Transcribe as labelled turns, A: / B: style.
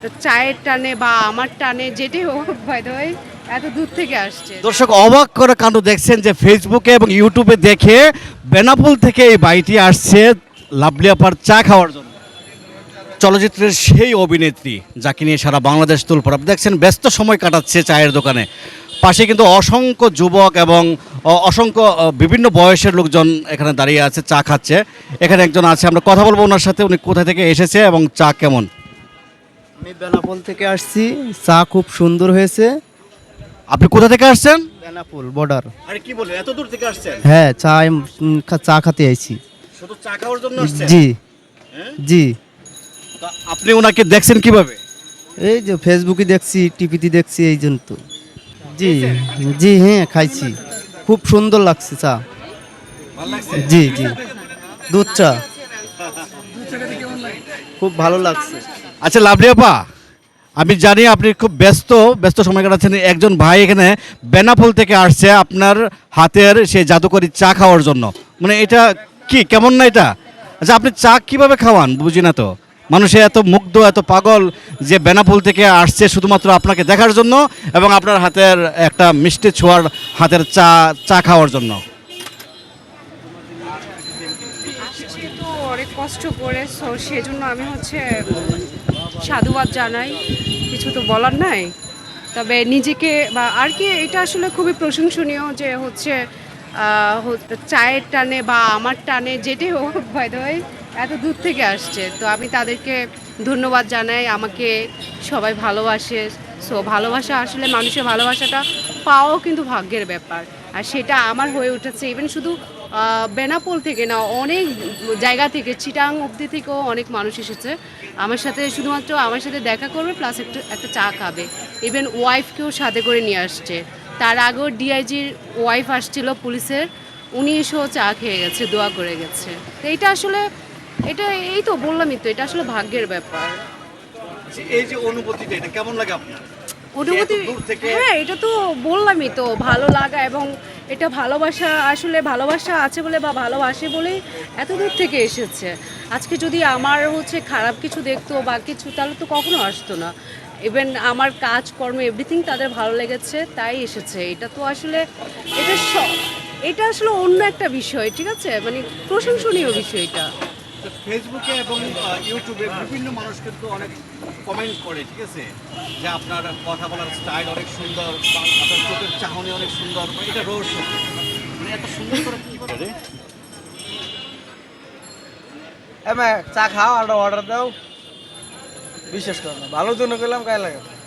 A: চায়ের টানে বা আমার টানে যেটাই হোক বাই দ্য ওয়ে এত দূর থেকে আসছে।
B: দর্শক অবাক করে কাণ্ড দেখছেন যে ফেসবুকে এবং ইউটিউবে দেখে বেনাপোল থেকে এই বাইটি আসছে লাভলি আপার চা খাওয়ার জন্য। চলচ্চিত্রের সেই অভিনেত্রী যাকে নিয়ে সারা বাংলাদেশ তুলপড়া দেখছেন ব্যস্ত সময় কাটাচ্ছে চায়ের দোকানে। পাশে কিন্তু অসংখ্য যুবক এবং অসংখ্য বিভিন্ন বয়সের লোকজন এখানে দাঁড়িয়ে আছে, চা খাচ্ছে। এখানে একজন আছে, আমরা কথা বলবো ওনার সাথে, উনি কোথা থেকে এসেছে এবং চা কেমন।
C: আমি বেনাপোল থেকে আসছি, চা খুব সুন্দর হয়েছে।
B: আপনি কোথা থেকে আসছেন?
C: বেনাপোল বর্ডার।
B: আরে কি বলেন, এত দূর থেকে আসছেন?
C: হ্যাঁ, চা খেতে আইছি।
B: শুধু চা খাওয়ার জন্য আসছেন?
C: জি
B: হ্যাঁ?
C: জি।
B: তা আপনি ওনাকে দেখছেন কিভাবে?
C: এই যে ফেসবুকে দেখছি, টিভিতে দেখছি, এই জন্য তো। জি জি, হ্যাঁ খাইছি, খুব সুন্দর লাগছে চা।
B: ভালো লাগছে?
C: জি জি, দুধ চা খুব ভালো লাগছে।
B: আচ্ছা লাভলি আপা, আমি জানি আপনি খুব ব্যস্ত ব্যস্ত সময় কাটাচ্ছেন। একজন ভাই এখানে বেনাপোল থেকে আসছে আপনার হাতের সেই জাদুকরি চা খাওয়ার জন্য। মানে এটা কি, কেমন না এটা? আচ্ছা আপনি চা কিভাবে খাওয়ান বুঝি না তো। মানুষে এত মুগ্ধ, এত পাগল যে বেনাপোল থেকে আসছে শুধুমাত্র আপনাকে দেখার জন্য এবং আপনার হাতের একটা মিষ্টি ছোঁয়ার হাতের চা চা খাওয়ার জন্য।
A: আসছে তো অনেক কষ্ট করে, সো সেজন্য আমি সাধুবাদ জানাই, কিছু তো বলার নাই। তবে নিজেকে বা আর কি, এটা আসলে খুবই প্রশংসনীয় যে চায়ের টানে বা আমার টানে যেটাই হোক বাই দ্য ওয়ে এত দূর থেকে আসছে। তো আমি তাদেরকে ধন্যবাদ জানাই, আমাকে সবাই ভালোবাসে। সো ভালোবাসা আসলে, মানুষের ভালোবাসাটা পাওয়াও কিন্তু ভাগ্যের ব্যাপার। আর সেটা আমার হয়ে উঠেছে। ইভেন শুধু বেনাপোল থেকে না, অনেক জায়গা থেকে, চিটাং অবধি থেকেও অনেক মানুষ এসেছে আমার সাথে, শুধুমাত্র আমার সাথে দেখা করবে প্লাস একটা চা খাবে। ইভেন ওয়াইফকেও সাথে করে নিয়ে আসছে। তার আগেও ডিআইজির ওয়াইফ আসছিল পুলিশের, উনি এসেও চা খেয়ে গেছে, দোয়া করে গেছে। তো এটা আসলে, এটা এই তো বললামই তো, এটা আসলে ভাগ্যের ব্যাপার।
B: এই যে অনুভূতিটা, এটা কেমন লাগে আপনার?
A: অনুভূতি,
B: এত দূর থেকে?
A: হ্যাঁ এটা তো বললামই তো, ভালো লাগা এবং এটা ভালোবাসা, আসলে ভালোবাসা আছে বলে বা ভালোবাসে বলেই এত দূর থেকে এসেছে। আজকে যদি আমার খারাপ কিছু দেখতো বা কিছু, তাহলে তো কখনো আসতো না। ইভেন আমার কাজকর্ম এভরিথিং তাদের ভালো লেগেছে, তাই এসেছে। এটা তো আসলে, এটা এটা আসলে অন্য একটা বিষয়, ঠিক আছে, মানে প্রশংসনীয় বিষয় এটা।
B: তো ফেসবুকে এবং ইউটিউবে বিভিন্ন মানুষ কিন্তু অনেক কমেন্ট করে, ঠিক আছে, যে আপনার কথা বলার স্টাইল অনেক সুন্দর, বা আপনার চোখের চাহনি অনেক সুন্দর, বা এটা রহস্য মানে এত সুন্দর করে কি করে রে?
D: চা খাও আর অর্ডার দাও, বিশ্বাস করো না, ভালো জন্য করলাম গায়ে লাগে।